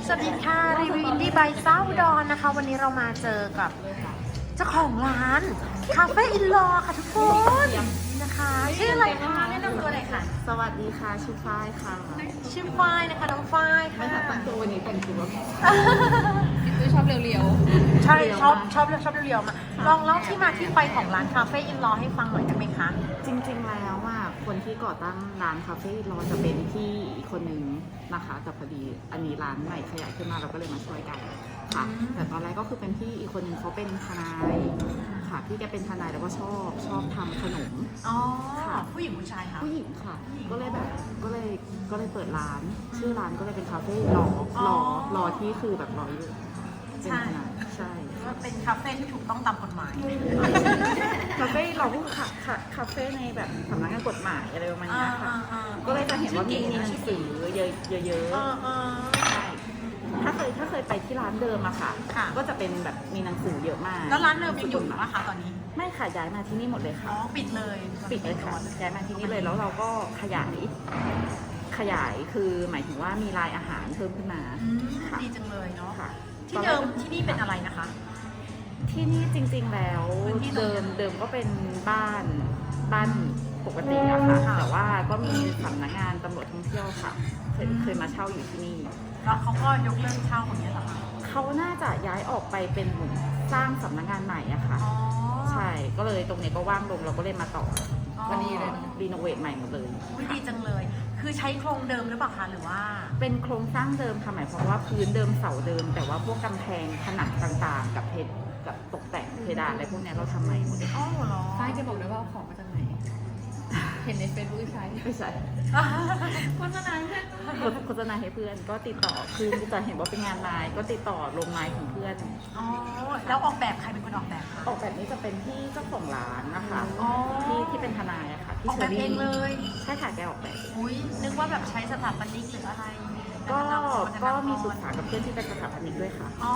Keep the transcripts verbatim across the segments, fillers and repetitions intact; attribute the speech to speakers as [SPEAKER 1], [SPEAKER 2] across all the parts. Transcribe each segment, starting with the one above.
[SPEAKER 1] สวัสดีค่ะรีวิวอินดี้บายเศร้าดอนนะคะ วันนี้เรามาเจอกับเจ้าของร้านคาเฟ่อินลอค่ะทุกคนนะคะชื่ออะไรคะแนะนำตัวหน่อยค่ะ
[SPEAKER 2] สวัสดีค่ะชื่อฝ้ายค่ะ
[SPEAKER 1] ชื่อฝ้ายนะคะน้องฝ้ายค่ะ
[SPEAKER 2] ไม่ค่ะตั้งตัววันนี้แต่งตัว
[SPEAKER 3] ชอบเรียว
[SPEAKER 1] ใช่ชอบชอบชอบเรียวๆมาลองเล่าที่มาที่ไปของร้านคาเฟ่อินลอให้ฟังหน่อยได้ไหมคะ
[SPEAKER 2] จริงๆแล้วว่าคนที่ก่อตั้งร้านคาเฟ่รอจะเป็นพี่อีกคนนึงนะคะแต่พอดีอันนี้ร้านใหม่ขยายขึ้นมาเราก็เลยมาช่วยกันค่ะแต่ตอนแรกก็คือเป็นพี่อีกคนนึงเขาเป็นทนายค่ะพี่แกเป็นทนายแล้วก็ชอบชอบทำขนม
[SPEAKER 1] อ๋อ
[SPEAKER 2] ค่ะ
[SPEAKER 1] ผู้หญิงผู้ชายคะ
[SPEAKER 2] ผู้หญิงค่ะ ก็เลยแบบก็เลยก็เลยเปิดร้าน ชื่อร้านก็เลยเป็นคาเฟ่รอ
[SPEAKER 1] อ๋อ
[SPEAKER 2] รอรอที่คือแบบรออยู่เป็นทนายใช่
[SPEAKER 1] ก็เป็นคาเฟ่ที่ถูกต้องตามกฎหมาย
[SPEAKER 2] คาเฟ่เราก็คาคาคาเฟ่ในแบบสำนักงานกฎหมายอะไรประมาณเนี้ยค่ะ ก็เลยจะเห็นว่ามีมีหนังสือเยอะเยอะเยอะ
[SPEAKER 1] เออเออ
[SPEAKER 2] ใช่ถ้าเคยถ้าเคยไปที่ร้านเดิมอะค่ะ
[SPEAKER 1] ค่ะ
[SPEAKER 2] ก็จะเป็นแบบมีหนังสือเยอะมาก
[SPEAKER 1] แล้วร้านเดิมยังอยู่ไหมคะตอนนี้
[SPEAKER 2] ไม่ค่ะย้ายมาที่นี่หมดเลย
[SPEAKER 1] อ๋
[SPEAKER 2] ค่ะ
[SPEAKER 1] อปิดเลย
[SPEAKER 2] ปิดเลยค่ะย้ายมาที่นี่เลยแล้วเราก็ขยายขยายคือหมายถึงว่ามีลายอาหารเพิ่มขึ้นมา
[SPEAKER 1] อืม
[SPEAKER 2] ค่ะ
[SPEAKER 1] ดีจังเลยเนาะ
[SPEAKER 2] ค่ะ
[SPEAKER 1] ที่เดิมที่นี่เป็นอะไรนะคะ
[SPEAKER 2] ที่นี่จริงๆแล้ว
[SPEAKER 1] พื้นที่ตรง
[SPEAKER 2] เดิ
[SPEAKER 1] นี้
[SPEAKER 2] มเดิมก็เป็นบ้านบ้านปกติอะค่ะ
[SPEAKER 1] ค่ะ
[SPEAKER 2] แต่ว่าก็มีสำนักงานตำรวจท่องเที่ยวค่ะเคย
[SPEAKER 1] อืม
[SPEAKER 2] เคยมาเช่าอยู่ที่นี่
[SPEAKER 1] แล้วเขาก็ยกเลิกเช่าอย่างเงี้ยเหรอคะ
[SPEAKER 2] เขาน่าจะย้ายออกไปเป็นเหมือนสร้างสำนักงานใหม่อะค่ะ
[SPEAKER 1] อ๋อ
[SPEAKER 2] ใช่ก็เลยตรงนี้ก็ว่างลงเราก็เลยมาต่อ
[SPEAKER 1] อ๋อ
[SPEAKER 2] วันนี้เลยรีโนเวทใหม่หมดเลย
[SPEAKER 1] อุ๊ยดีจังเลย คือใช้โครงเดิมหรือเปล่าคะหรือว่า
[SPEAKER 2] เป็นโครงสร้างเดิมค่ะหมายความว่าพื้นเดิมเสาเดิม แต่ว่าพวกกำแพงผนังต่างๆ กับเพดกับตกแต่งเพดานอะไรพวกเนี้ยเราทำใหม่หมดเลย
[SPEAKER 1] อ๋อเหรอ
[SPEAKER 3] ๆฝ้ายจะบอกได้ว่าเอาของมาจากไหน เห็นในเฟซบุ๊กใช้
[SPEAKER 2] ไม่ใช่
[SPEAKER 3] โฆษณาเพื่อน
[SPEAKER 2] โฆษณาให้เพื่อนก็ติดต่อคือจะเห็นว่าเป็นงานไลน์ก็ติดต่อลงไลน์ของเพื่อน
[SPEAKER 1] อ๋อ แล้วออกแบบใครเป็นคนออกแบบคะ
[SPEAKER 2] ออกแบบนี้จะเป็นที่เจ้าของร้านนะคะ
[SPEAKER 1] อ๋อ
[SPEAKER 2] ที่ที่เป็นทนายอะค่ะ
[SPEAKER 1] อ
[SPEAKER 2] ที่
[SPEAKER 1] อกแบบเองเลย
[SPEAKER 2] ใช่ค่ะแกออกแบบ
[SPEAKER 1] อุ้ยนึกว่าแบบใช้สถาปนิกหรืออะไร
[SPEAKER 2] ก็ก็มีปรึกษากับเพื่อนที่เป็นสถาปนิกด้วยค่ะ
[SPEAKER 1] อ๋อ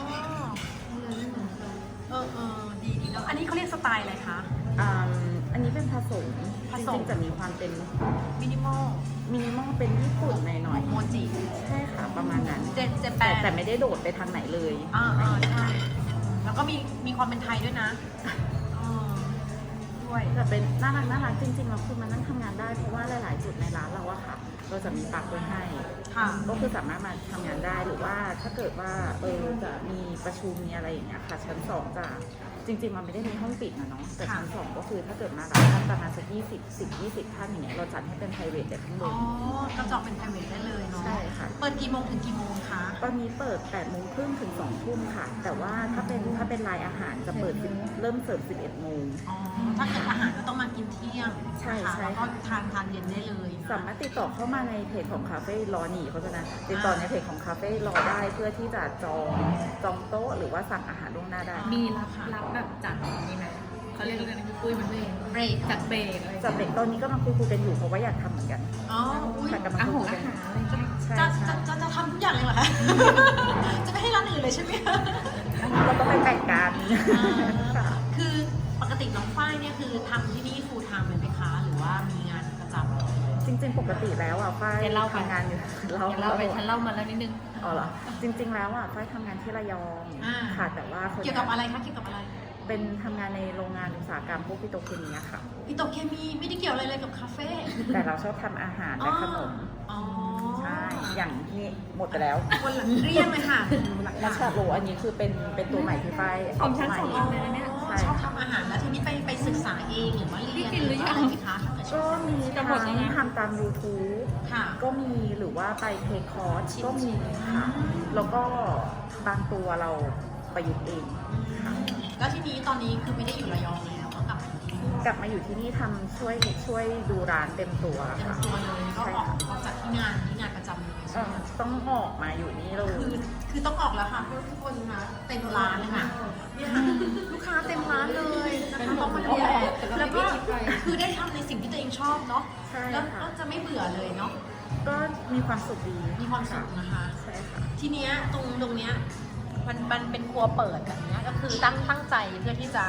[SPEAKER 1] เออเออดีดีเนาะ อันนี้เขาเรียกสไตล์อะไรคะ
[SPEAKER 2] อ่าอันนี้เป็นผสม
[SPEAKER 1] ผ
[SPEAKER 2] จ
[SPEAKER 1] สม
[SPEAKER 2] ริงๆจะมีความเป็น
[SPEAKER 1] มินิมอล
[SPEAKER 2] มินิมอลเป็นญี่ปุ่นหน่อย
[SPEAKER 1] โมจิ
[SPEAKER 2] ๆใช่ค่ะประมาณนั้น
[SPEAKER 1] เจเจแป
[SPEAKER 2] แต่
[SPEAKER 1] น
[SPEAKER 2] แต่ไม่ได้โดดไปทางไหนเลย
[SPEAKER 1] อ่าอ่าใช่ แล้วก็มีมีความเป็นไทยด้วยนะเออด้วย
[SPEAKER 2] แต่เป็นน่ารักน่ารักจริงๆเราคือมานั่งทำงานได้เพราะว่าหลายๆจุดในร้านเราอะค่ะเราจะมีปลั๊กไว้ให้
[SPEAKER 1] ค่ะ
[SPEAKER 2] ก็คือสามารถมาทำงานได้หรือว่าถ้าเกิดว่าเออจะมีประชุมมีอะไรอย่างเงี้ยค่ะชั้นสองจะจริงๆมันไม่ได้มีห้องปิดนะเนาะแต่ชั้นสองก็คือถ้าเกิดมารับท่านประมาณสักยี่สิบสิบยี่สิบท่านอย่างเงี้ยเราจัดให้เป็น private แต่ข้างบ
[SPEAKER 1] อ๋อน กระจอกเป็นไพรเวทได้เลยเนาะ
[SPEAKER 2] ใช่ค่ะ
[SPEAKER 1] เปิดกี่โมงถึงกี่โมงคะ
[SPEAKER 2] ตอนนี้เปิดแปดโมงครึ่งถึงสองทุ่มค่ะ แต่ว่าถ้าเป็นถ้าเป็นรายอาหารจะเปิด10เริ่มเสิร์ฟสิบเอ็ดโมง
[SPEAKER 1] อ๋อ ถ้าเกิดอาหารก็ต้องมากินเที่ยง
[SPEAKER 2] ใช่
[SPEAKER 1] นะคะ
[SPEAKER 2] ใช่
[SPEAKER 1] แล้วก็ทานทานเย็นได้เลย
[SPEAKER 2] สามารถติดต่อเข้ามาในเพจของคาเฟ่รอหนีเขาจะนะติดต่อในเพจของคาเฟ่รอได้เพื่อที่จะจองจองโต๊ะหรือว่าสั่งอาหารล่วงหน้าได้
[SPEAKER 3] มีรับรับแบบจัดมีไหมเขาเรียกอะไรนะปุ้ยมันเอง
[SPEAKER 1] เบรก
[SPEAKER 3] จัดเบรกอะไร
[SPEAKER 2] จากเด็กตอนนี้ก็กำลังคุยคุยกันอยู่เพราะว่าอยากทำเหมือนกัน
[SPEAKER 1] อ๋อ อุ้ย
[SPEAKER 2] ค่ะกำลัง
[SPEAKER 3] อา
[SPEAKER 2] คุ
[SPEAKER 3] หาย ร
[SPEAKER 2] คุย
[SPEAKER 3] อา
[SPEAKER 2] กัน
[SPEAKER 3] หารอะไรเงี้ย
[SPEAKER 2] ใช่
[SPEAKER 1] จะ
[SPEAKER 2] ใช่
[SPEAKER 1] จะจะจะทำทุกอย่างเลยเหรอคะ จะไม่ให้ร้านอื่นเลยใช่ไหมคะ
[SPEAKER 2] เราต้องไปแบ่งกัน
[SPEAKER 1] อ่าคือปกติน้องฝ้ายเนี่ยคือทำที่นี่ full time เลยไหมคะ หรือว่ามีงานประจำ
[SPEAKER 2] จริง ๆ ปกติแล้วอ่ะฝ้ายทำงานอยู่
[SPEAKER 3] เดี๋ยวเราไปฉันเล่ามาแล้วนิดนึง
[SPEAKER 2] อ๋อเหรอจริง ๆ แล้วอ่ะฝ้ายทำงานที่ระยอง
[SPEAKER 1] อ่า
[SPEAKER 2] ค่ะแต่ว่าคน
[SPEAKER 1] เกี่ยวกับอะไรคะ เกี่ยวกับอะไร
[SPEAKER 2] เป็นทำงานในโรงงานอุตสาหกรรมพวกปิโตรเคมีอะค่ะ
[SPEAKER 1] ปิโตรเคมีไม่ได้เกี่ยวอะไรเลยกับคาเฟ่
[SPEAKER 2] แต่เราชอบทำอาหารและขนม
[SPEAKER 1] อ๋อ
[SPEAKER 2] ใช่ อย่างนี้หมดไปแล้ว
[SPEAKER 1] คนหลังเรียกเลยค่ะหลัง
[SPEAKER 2] มัชชาโรอันนี้คือเป็นเป็นตัวใหม่ที่ฝ้าย
[SPEAKER 3] ของฉัน
[SPEAKER 2] ใหม่
[SPEAKER 3] ส่งเองเลยนะเนี่ย
[SPEAKER 2] ใช่
[SPEAKER 1] ชอบทำอาหารแล้วทีนี้ไปไปศึกษาเองหรือว่าเรียน
[SPEAKER 3] กินหรือยัง
[SPEAKER 1] อะไรไหมคะถ้าเกิดช
[SPEAKER 2] ก็
[SPEAKER 1] อบ
[SPEAKER 2] มี
[SPEAKER 3] จะหมดแล้วนะ
[SPEAKER 2] ทำตาม YouTube
[SPEAKER 1] ค่ะ
[SPEAKER 2] ก็มีหรือว่าไปเทคคอร์ส
[SPEAKER 1] ชิม
[SPEAKER 2] ก็มีค่ะ แล้วก็บางตัวเราประยุกต์เองค่ะ
[SPEAKER 1] แล้วทีนี้ตอนนี้คือไม่ได้อยู่ระยองแล้วก็กลับมาอยู่ที่นี่
[SPEAKER 2] กลับมาอยู่ที่นี่ทำช่วยช่วยดูร้านเต็มตัว
[SPEAKER 1] เต็ม
[SPEAKER 2] ค่ะ
[SPEAKER 1] ตัวเลยก็
[SPEAKER 2] ใช่
[SPEAKER 1] ออก
[SPEAKER 2] ค่ะ
[SPEAKER 1] ออกจากที่งานที่งานประจำเลย
[SPEAKER 2] เอ่
[SPEAKER 1] ใช่ไห
[SPEAKER 2] อ
[SPEAKER 1] ม
[SPEAKER 2] ต้องออกมาอยู่นี่เล
[SPEAKER 1] คือย คือต้องออกแล้วค่ะเพราะทุกคนนะเต็มร้านเลยค่ะเนี่ยค่ะลูกค้าเต็มร้านเลยนะคะต้องมาเรียนแล้วก็คือได้ทำในสิ่งที่ตัวเองชอบเนาะ
[SPEAKER 2] ใช่
[SPEAKER 1] แล้ว
[SPEAKER 2] ค่ะ
[SPEAKER 1] ก็จะไม่เบื่อเลยเนาะ
[SPEAKER 2] ก็มีความสุขดี
[SPEAKER 1] มีความสุขนะคะ
[SPEAKER 2] ใช่ค่ะ
[SPEAKER 1] ทีเนี้ยตรงตรงเนี้ยมันมันเป็นครัวเปิดแบบเนี้ยก็คือตั้งตั้งใจเพื่อที่จะยังไง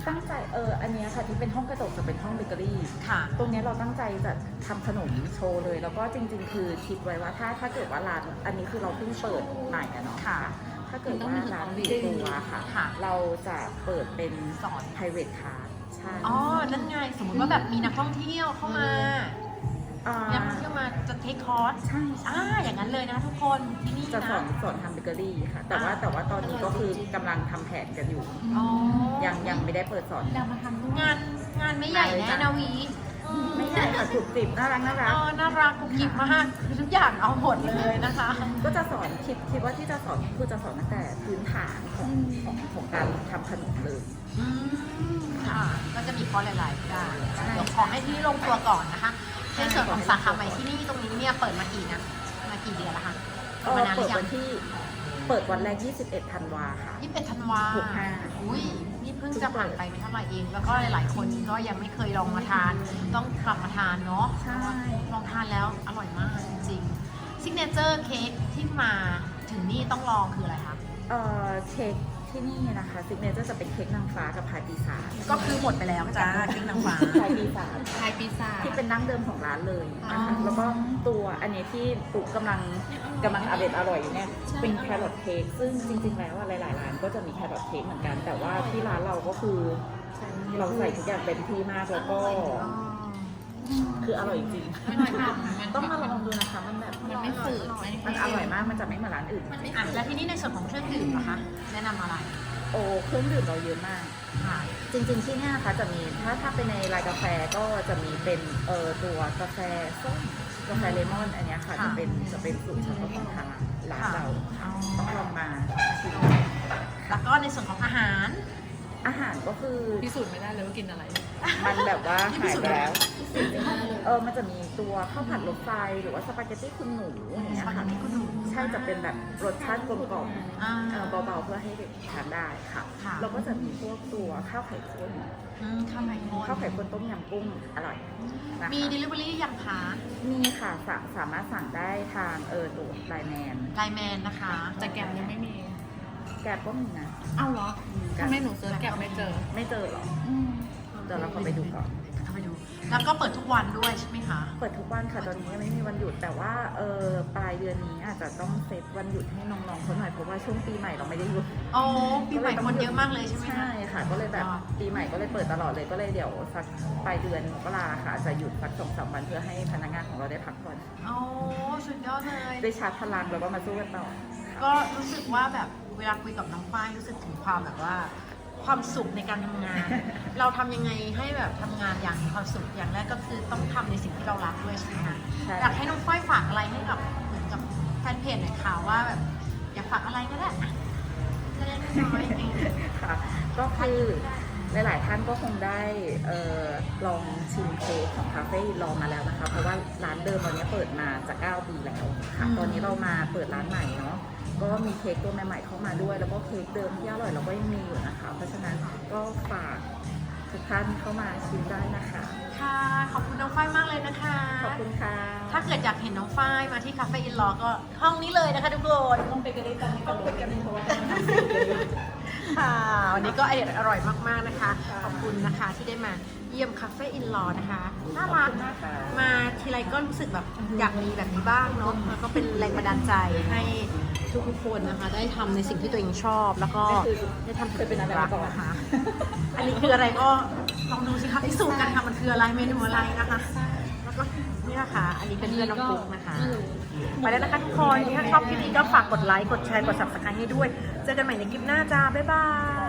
[SPEAKER 2] ตั้งใจเอออันเนี้ยค่ะที่เป็นห้องกระจกจะเป็นห้องเบเกอรี่
[SPEAKER 1] ค่ะ
[SPEAKER 2] ตรงเนี้ยเราตั้งใจจะทำขนมโชว์เลย แล้วก็จริงๆ คือคิดไว้ว่าถ้าถ้าเกิดว่าร้านอันนี้คือเราเพิ่งเปิดใหม่อะเนาะ
[SPEAKER 1] ค่ะ
[SPEAKER 2] ถ้าเกิดว่าร้านปิดตัวค่ะ
[SPEAKER 1] ค่ะ
[SPEAKER 2] เราจะเปิดเป็น
[SPEAKER 1] สอน
[SPEAKER 2] private class ใช่
[SPEAKER 1] อ๋อ นั่นไง สมมติว่าแบบมีนักท่องเที่ยวเข้ามา
[SPEAKER 2] อ่า
[SPEAKER 1] มีนักท่องเที่ยวมาจะเทคคอร์ส
[SPEAKER 2] ใช่
[SPEAKER 1] อ่า อย่างนั้นเลยนะทุกคนที่นี่
[SPEAKER 2] จะ
[SPEAKER 1] นะ
[SPEAKER 2] สอนสอนทำเบเกอรี่ค่ะ แต่ว่า
[SPEAKER 1] อ่า
[SPEAKER 2] แต่ว่าตอนนี้ก็คือกำลังทำแผนกันอยู่
[SPEAKER 1] อ๋อ
[SPEAKER 2] ยังยังไม่ได้เปิดสอน
[SPEAKER 3] เรามาทำด้วย
[SPEAKER 1] งานงานไม่ใหญ่แน่นาวี
[SPEAKER 2] ไม่ใช่ค่ะกรุบกริบน่ารักน่ารัก
[SPEAKER 1] อ๋อน่ารักกุ๊กกิ๊บมากคือทุกอย่างเอาหมดเลยนะคะ
[SPEAKER 2] ก็จะสอนคิดคิดว่าที่จะสอนคือจะสอนตั้งแต่พื้นฐานของของของการทำขนมเลย
[SPEAKER 1] อืมค่ะ ก็จะมีคอร์สหลายๆอย่างเดี๋ยวขอให้ที่นี่ลงตัวก่อนนะคะในส่วนของสาขาใหม่ที่นี่ตรงนี้เนี่ยเปิดมากี่นะมากี่เดือนแล้วคะ
[SPEAKER 2] เออ
[SPEAKER 1] มานานห
[SPEAKER 2] เปิ
[SPEAKER 1] รื
[SPEAKER 2] ด
[SPEAKER 1] อยั
[SPEAKER 2] วั
[SPEAKER 1] ง
[SPEAKER 2] นที่เปิดวันแรก ยี่สิบเอ็ด ธันวาค่ะ
[SPEAKER 1] ยี่สิบเอ็ดธันวา
[SPEAKER 2] หกห้า
[SPEAKER 1] อุ้ยนี่เพิ่งจะผ่านไปไม่เท่าไหร่เอง แล้วก็หลายๆคนก็ยังไม่เคยลองมาทาน ต้องกลับมาทานเนาะ
[SPEAKER 2] ใช่
[SPEAKER 1] ลองทานแล้วอร่อยมากจริงๆซิกเนเจอร์เค้กที่มาถึงนี่ต้องลองคืออะไรคะ
[SPEAKER 2] เอ่อเค้กที่นี่นะคะซิกเนเจอร์จะเป็นเค้กนางฟ้ากับพายปีศาจ
[SPEAKER 1] ก็คือหมดไปแล้วจ้าเค้กนางฟ้า
[SPEAKER 2] พายปีศาจ
[SPEAKER 3] ไทยพิซซ่า
[SPEAKER 2] ที่เป็นดั้งเดิมของร้านเลยนะ
[SPEAKER 1] อ๋
[SPEAKER 2] คะ
[SPEAKER 1] อ
[SPEAKER 2] แล้วก็ตัวอันนี้ที่ปุ๊กกำลังกำลังอร่อยอร่อยอยู่เนี่ยเป็นแครอทเค้กซึ่งจริงๆแล้วอะหลายๆร้านก็จะมีแครอทเค้กเหมือนกัน แต่ว่าที่ร้านเราก็คือเราใส่ทุกอย่างเต็มที่มากแล้วก็คืออร่อยจริง
[SPEAKER 3] ไม่น้อยทำมัน
[SPEAKER 2] ต้องมาลองดูนะคะมันแบบ
[SPEAKER 3] มันไม่ฝืด
[SPEAKER 2] มันอร่อยมากมันจะไม่เหมือนร้านอื่น
[SPEAKER 1] อ่ะแล้วที่นี่ในส่วนของเครื่องดื่มนะคะ แนะนำอะไร
[SPEAKER 2] โอ้เครื่องดื่มเราเยอะมาก
[SPEAKER 1] ค่ะ
[SPEAKER 2] จริงๆที่เนี่ยนะคะจะมีถ้าถ้าเป็นในรายกาแฟก็จะมีเป็นเอ่อตัวกาแฟส้มกาแฟเลมอนอันเนี้ยค่ะ
[SPEAKER 1] ค่ะ
[SPEAKER 2] จะเป็นจะเป็นสูตรเฉพาะของทางร้านเรา
[SPEAKER 1] อ๋อ
[SPEAKER 2] ต้องลองมาชิม
[SPEAKER 1] แล้วก็ในส่วนของอาหาร
[SPEAKER 2] อาหารก็คือ
[SPEAKER 3] พิสูจน์ไม่ได้เลยว่ากินอะไร
[SPEAKER 2] มันแบบว่าหายไปแล้วเออมันจะมีตัวข้าวผัดรถไฟหรือว่าสปาเกตตี้คุณหนูอย่างเงี้ย
[SPEAKER 1] สปาเก
[SPEAKER 2] ค่ะ
[SPEAKER 1] ตตี้คุณหนู
[SPEAKER 2] ใช่จะเป็นแบบรสชาติกลมกล่อม
[SPEAKER 1] อ่า
[SPEAKER 2] เออเบาๆเพื่อให้เด็กทานได้ค่ะ
[SPEAKER 1] ค่ะ
[SPEAKER 2] แล้วก็จะมีพวกตัวข้าวไข่ข้น
[SPEAKER 1] อืมข้าวไข่ข้น
[SPEAKER 2] ข้าวไข่ข้นต้มยำกุ้งอร่อยนะคะ
[SPEAKER 1] มี delivery ยังคะ
[SPEAKER 2] มีค่ะสาสามารถสั่งได้ทางเออตัวไลน์แมน
[SPEAKER 1] ไลน์แมนนะคะ
[SPEAKER 3] แต่แกมยังไม่มี
[SPEAKER 2] แกร็บก็มีนะ
[SPEAKER 3] เอ้าเหรอทำไมหนูเซิร์ชแกมไม่เจอ
[SPEAKER 2] ไม่เจอหรอเดี๋ยวเราขอไปดูก่อน
[SPEAKER 1] เข้าไปดู แล้วก็เปิดทุกวันด้วยใช่ไหมคะ
[SPEAKER 2] เปิดทุกวันค่ะตอนนี้ยังไม่มีวันหยุดแต่ว่าเออปลายเดือนนี้อาจจะต้องเซตวันหยุดให้น้องๆเขาหน่อยเพราะว่าช่วงปีใหม่เราไม่ได้หยุด
[SPEAKER 1] โอ้ปีใหม่คนเยอะมากเลยใช่ไหมคะ
[SPEAKER 2] ใช่ค่ะ ก็เลยแบบปีใหม่ก็เลยเปิดตลอดเลยก็เลยเดี๋ยวสักปลายเดือนมกราค่ะจะหยุดสักสองสามวันเพื่อให้พนักงานของเราได้พักผ่อน
[SPEAKER 1] โอ้สุดยอดเลย
[SPEAKER 2] ได้ชาร์จพลังแล้วก็มาสู้กันต่อ
[SPEAKER 1] ก็รู้สึกว่าแบบเวลาคุยกับน้องฝ้ายรู้สึกถึงความแบบว่า ความสุขในการทำงาน เราทำยังไงให้แบบทำงานอย่างมีความสุขอย่างแรกก็คือต้องทำในสิ่งที่เรารักด้วยใช่ไหมคะ
[SPEAKER 2] ใช่
[SPEAKER 1] อยากให้น้องฝ้ายฝากอะไรให้กับเหมือนกับแฟนเพจหน่อยค่ะว่าแบบอยากฝากอะไรก็ได้อะเล็กๆน้อยๆเอง
[SPEAKER 2] ค่ะ ก็คือหลายๆท่านก็คงได้เออลองชิมเค้กของคาเฟ่ลองมาแล้วนะคะ เพราะว่าร้านเดิมเราเนี้ยเปิดมาจะเก้าปีแล้วค่ะตอนนี้เรามาเปิดร้านใหม่เนาะก็มีเค้กตัวใหม่ๆเข้ามาด้วย แล้วก็เค้กเดิมที่อร่อยเราก็ยังมีอยู่นะคะ เพราะฉะนั้นก็ฝากทุกท่านเข้ามาชิมได้นะคะ
[SPEAKER 1] ค่ะ ขอบคุณน้องฝ้ายมากเลยนะคะ
[SPEAKER 2] ขอบคุณค่ะ
[SPEAKER 1] ถ้าเกิดอยากเห็นน้องฝ้ายมาที่คาเฟ่อินลอก็ห้องนี้เลยนะคะทุกคน
[SPEAKER 2] ต้องไปกันได้ตอนนี้ก็รู้กันเพราะว่า
[SPEAKER 1] ค่ะวันนี้ก็อร่อยมากๆนะคะ ขอบคุณนะคะที่ได้มาเยี่ยมคาเฟ่อินลอนะคะน่ารักมาทีไรก็รู้สึกแบบอยากมีแบบนี้บ้างเนาะแล้วก็เป็นแรงบันดาลใจให้ทุกๆคนนะคะ ได้ทำในสิ่งที่ตัวเองชอบ แล้วก็ได้ทำ
[SPEAKER 2] เคยเป็นอะไรมาก่อน
[SPEAKER 1] นะคะ อันนี้คืออะไรก็ลองดูสิคะพิสูจน์กันค่ะมันคืออะไรเมนูอะไรนะคะ แล้วก็นี่นะคะ อันนี้เป็นเพื่อนน้องปุ๊กนะคะ ไปแล้วนะคะทุกคน ถ้าชอบคลิปนี้ก็ฝากกดไลค์ กดแชร์ กด ซับสไครบ์ ให้ด้วย เจอกันใหม่ในคลิปหน้าจ้า บ๊ายบาย